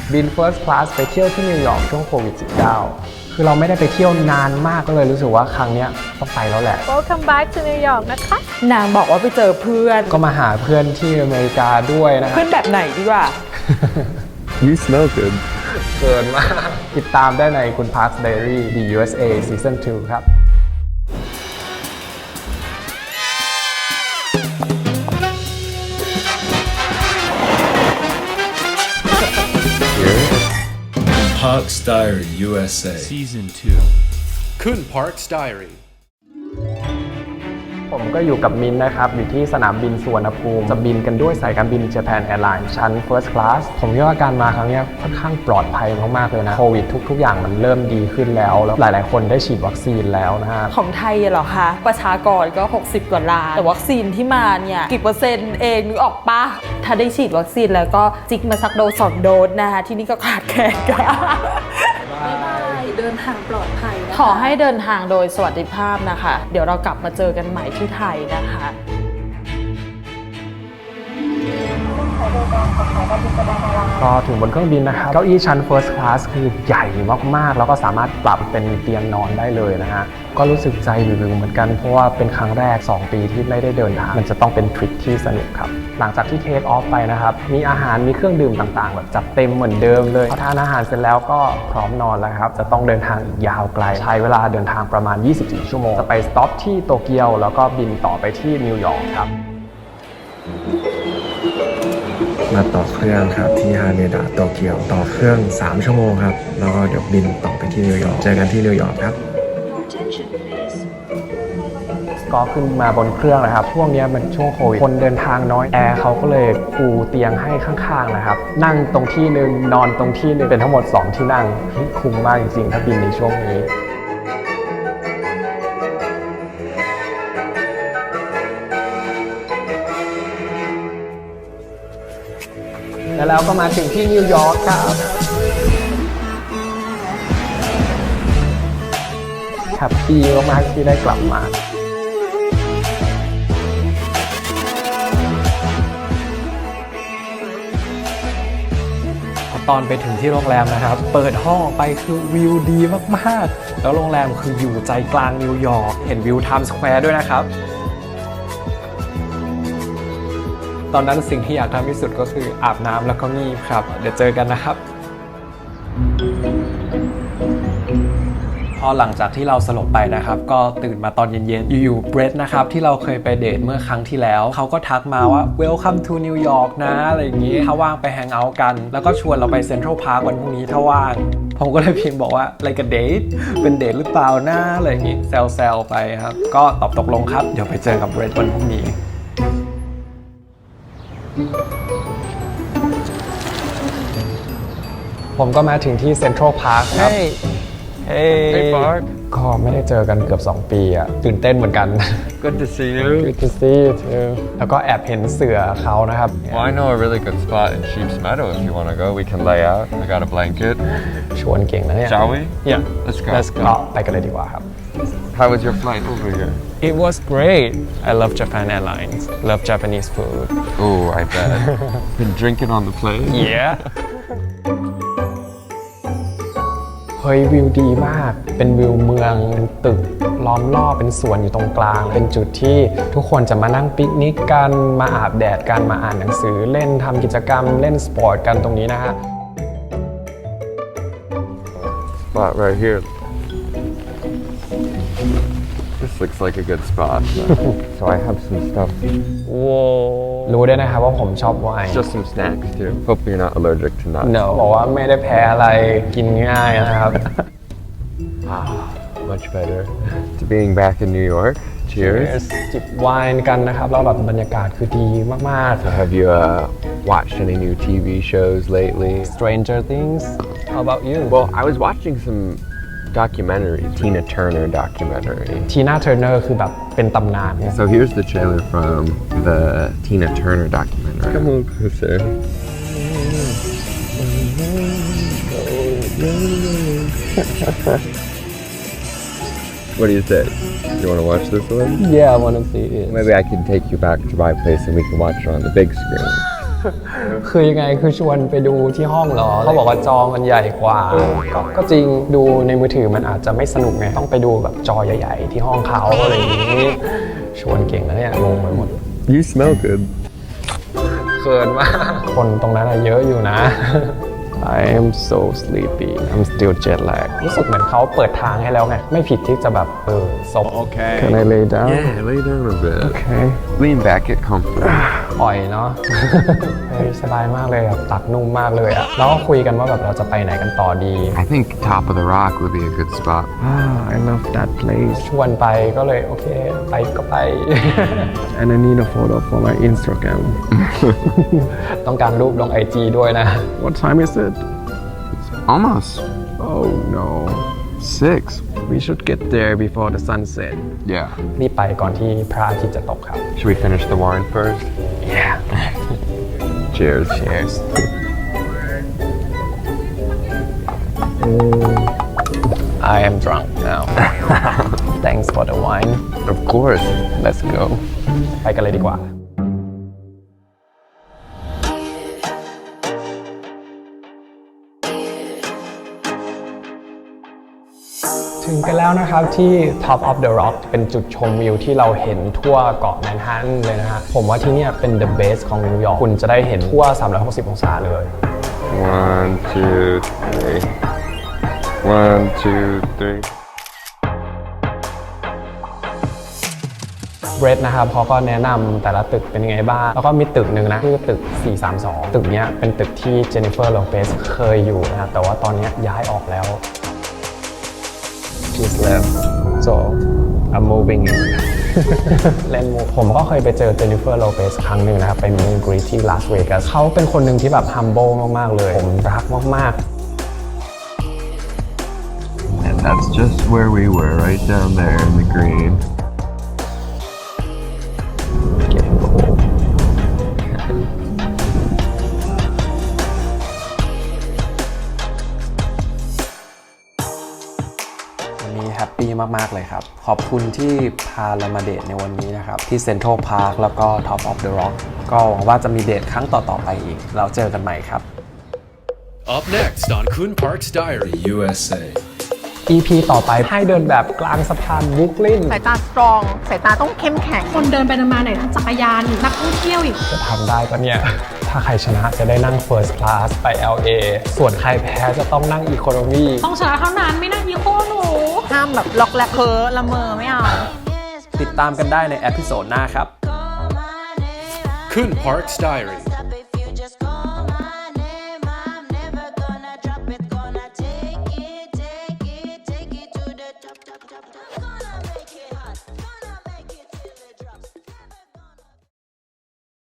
บิน First Class ไปเที่ยวที่นิวยอร์กช่วงโควิด -19 คือเราไม่ได้ไปเที่ยวนานมากก็เลยรู้สึกว่าครั้งนี้ต้องไปแล้วแหละ Welcome back to New York นะคะนางบอกว่าไปเจอเพื่อนก็มาหาเพื่อนที่อเมริกาด้วยนะเพื่อนแบบไหนดีกว่า You smell good. เกินมากติดตามได้ในคุณ Parks Diary The USA Season 2 ครับ Parks Diary USA Season 2 Kun Parks Diary ผมก็อยู่กับมินนะครับอยู่ที่สนามบินสุวรรณภูมิจะบินกันด้วยสายการบิน Japan Airlines ชั้น First Class ผมคิดว่าการมาครั้งนี้ค่อนข้างปลอดภัยมากๆเลยนะโควิดทุกอย่างมันเริ่มดีขึ้นแล้วหลายๆคนได้ฉีดวัคซีนแล้วนะฮะของไทยเหรอคะประชากรก็60 กว่าล้านแต่วัคซีนที่มาเนี่ยกี่เปอร์เซ็นต์เองนึกออกปะถ้าได้ฉีดวัคซีนแล้วก็จิกมาสักโดส2 โดสนะคะที่นี่ก็ขาดแคลนกันเดินทางปลอดภัยขอให้เดินทางโดยสวัสดิภาพนะคะเดี๋ยวเรากลับมาเจอกันใหม่ที่ไทยนะคะก็ถึงบนเครื่องบินนะครับเก้าอี้ชั้น First Class คือใหญ่มากๆแล้วก็สามารถปรับเป็นเตียงนอนได้เลยนะฮะก็รู้สึกใจวิวๆเหมือนกันเพราะว่าเป็นครั้งแรก2 ปีที่ไม่ได้เดินทางมันจะต้องเป็นทริปที่สนุกครับหลังจากที่เทคออฟไปนะครับมีอาหารมีเครื่องดื่มต่างๆแบบจัดเต็มเหมือนเดิมเลยพอทานอาหารเสร็จแล้วก็พร้อมนอนแล้วครับจะต้องเดินทางอีกยาวไกลใช้เวลาเดินทางประมาณ24 ชั่วโมงจะไปสต็อปที่โตเกียวแล้วก็บินต่อไปที่นิวยอร์กครับมาต่อเครื่องครับที่ฮาเนดะโตเกียวต่อเครื่อง3 ชั่วโมงครับแล้วก็เดี๋ยวบินต่อไปที่นิวยอร์กเจอกันที่นิวยอร์กครับก็ขึ้นมาบนเครื่องนะครับช่วงนี้มันช่วงโควิดคนเดินทางน้อยแอร์เขาก็เลยปูเตียงให้ข้างๆนะครับนั่งตรงที่หนึ่งนอนตรงที่หนึ่งเป็นทั้งหมด2 ที่นั่งคุ้มมากจริงๆถ้าบินในช่วงนี้แล้วก็มาถึงที่นิวยอร์กครับแฮปปี้มากๆที่ได้กลับมาตอนไปถึงที่โรงแรมนะครับเปิดห้องออกไปคือวิวดีมากๆแล้วโรงแรมคืออยู่ใจกลางนิวยอร์กเห็นวิวไทม์สแควร์ด้วยนะครับตอนนั้นสิ่งที่อยากทำที่สุดก็คืออาบน้ำแล้วก็งีบครับเดี๋ยวเจอกันนะครับพอหลังจากที่เราสลบไปนะครับก็ตื่นมาตอนเย็นๆอยู่ๆเบรดนะครับที่เราเคยไปเดทเมื่อครั้งที่แล้วเขาก็ทักมาว่า Welcome to New York นะอะไรอย่างงี้ถ้าว่างไปแฮงเอาท์กันแล้วก็ชวนเราไปเซ็นทรัลพาร์ควันพรุ่งนี้ถ้าว่างผมก็เลยพิมพ์บอกว่าอะไรกับเดทเป็นเดทหรือเปล่านะอะไรอย่างงี้แซวๆไปครับก็ตอบตกลงครับเดี๋ยวไปเจอกับเบรดวันพรุ่งนี้ผมก็มาถึงที่เซ็นทรัลพาร์คครับHey Park ก็ไม่ได้เจอกันเกือบ2 ปีอะตื่นเต้นเหมือนกัน Good to see you Good to see you too แล้วก็แอบเห็นเสือเขานะครับ Well I know a really good spot in Sheep's Meadow if you want to go we can lay out I got a blanket ชวนเก่งนะเนี่ย Shall we? Yeah Let's go ไปกันเลยดีกว่าครับ How was your flight over here? It was great I love Japan Airlines love Japanese food Oh I bet Been drinking on the plane? Yeah เฮ้ยวิวดีมากเป็นวิวเมืองเป็นตึกล้อมรอบเป็นสวนอยู่ตรงกลางเป็นจุดที่ทุกคนจะมานั่งปิกนิกกันมาอาบแดดกันมาอ่านหนังสือเล่นทำกิจกรรมเล่นสปอร์ตกันตรงนี้นะฮะ Spot right here This looks like a good spot So I have some stuff รู้ด้วยนะครับว่าผมชอบไวน์ Just some snacks too Hope you're not allergic to nuts No บอกว่าไม่ได้แพ้อะไรกินง่ายนะครับ Much better to being back in New York Cheers จิบไวน์กันนะครับแล้วแบบบรรยากาศคือดีมาก So have you watched any new TV shows lately? ๆ Stranger Things How about you Well I was watching some documentary Tina Turner documentary Tina Turner คือแบบเป็นตำนาน So here's the trailer from the Tina Turner documentary Come on closer What do you say? You want to watch this one? Yeah I wanna see it Maybe I can take you back to my place and we can watch it on the big screen คือยังไงคือชวนไปดูที่ห้องเหรอเขาบอกว่าจอมันใหญ่กว่าก็จริงดูในมือถือมันอาจจะไม่สนุกไงต้องไปดูแบบจอใหญ่ๆที่ห้องเขาอะไรอย่างนี้ชวนเก่งนะเนี่ยงงไปหมด You smell good เขินมากคนตรงนั้นเยอะอยู่นะ I am so sleepy I'm still jet lag รู้สึกเหมือนเขาเปิดทางให้แล้วไงไม่ผิดที่จะแบบซบ Okay. Can I lay down Yeah lay down a bit Okay Lean back get comfortable ปล่อยเนาะ เฮ้ยสบายมากเลยอะตักนุ่มมากเลยอะแล้วก็คุยกันว่าแบบเราจะไปไหนกันต่อดี I think Top of the Rock would be a good spot. I love that place ชวนไปก็เลยโอเคไปก็ไป and I need a photo for my Instagram ต้องการรูปลง IG ด้วยนะ What time is it? Almost. Oh no 6. We should get there before the sunset Yeah. รีบไปก่อนที่พระอาทิตย์จะตกครับ Should we finish the wine first? Yeah Cheers. Cheers I am drunk now Thanks for the wine Of course. Let's go ไปกันเลยดีกว่า ถึงกันแล้วนะครับที่ Top of the Rock เป็นจุดชมวิวที่เราเห็นทั่วเกาะแมนฮัตตันเลยนะฮะผมว่าที่เนี่ยเป็น the best ของนิวยอร์กคุณจะได้เห็นทั่ว 360 องศาเลย 1, 2, 3. 1, 2, 3. เบรดนะครับเขาก็แนะนำแต่ละตึกเป็นยังไงบ้าง แล้วก็มีตึกหนึ่งนะคือตึก 432 ตึกเนี้ยเป็นตึกที่เจนนิเฟอร์โลเปซเคยอยู่นะครับแต่ว่าตอนนี้ย้ายออกแล้ว She's left so I'm moving in เล่นมุกผมก็เคยไปเจอเจนนิเฟอร์โลเปซครั้งหนึ่งนะครับไปมีกรีที่ลาสเวกัสเขาเป็นคนหนึ่งที่แบบ humble มากๆเลยผมรักมาก And that's just where we were, right down there in the green. Getting cold. วันนี้แฮปปี้มากๆเลยครับขอบคุณที่พาเรามาเดทในวันนี้นะครับที่เซ็นทรัลพาร์คแล้วก็ Top of the Rock ก็หวังว่าจะมีเดทครั้งต่อๆไปอีกเราเจอกันใหม่ครับ Up next on Kun Park's Diary. USA. EP ต่อไปให้เดินแบบกลางสะพานบรุกลินสายตาสตรองสายตาต้องเข้มแข็งคนเดินไปเดินมาไหนทั้งจักรยานนักท่องเที่ยวอีกจะทำได้ปะเนี่ย ถ้าใครชนะจะได้นั่ง First Class ไป LA ส่วนใครแพ้จะต้องนั่ง Economy ต้องชนะเท่านั้นไม่น่าอีโคหนูห้ามแบบล็อกแลกเพ้อละเมอไม่เอาติดตามกันได้ในเอพิโซดหน้าครับ Kun Park's Diary. If you just call my name, I'm never gonna drop it. Gonna take it to the top. Gonna make it hot.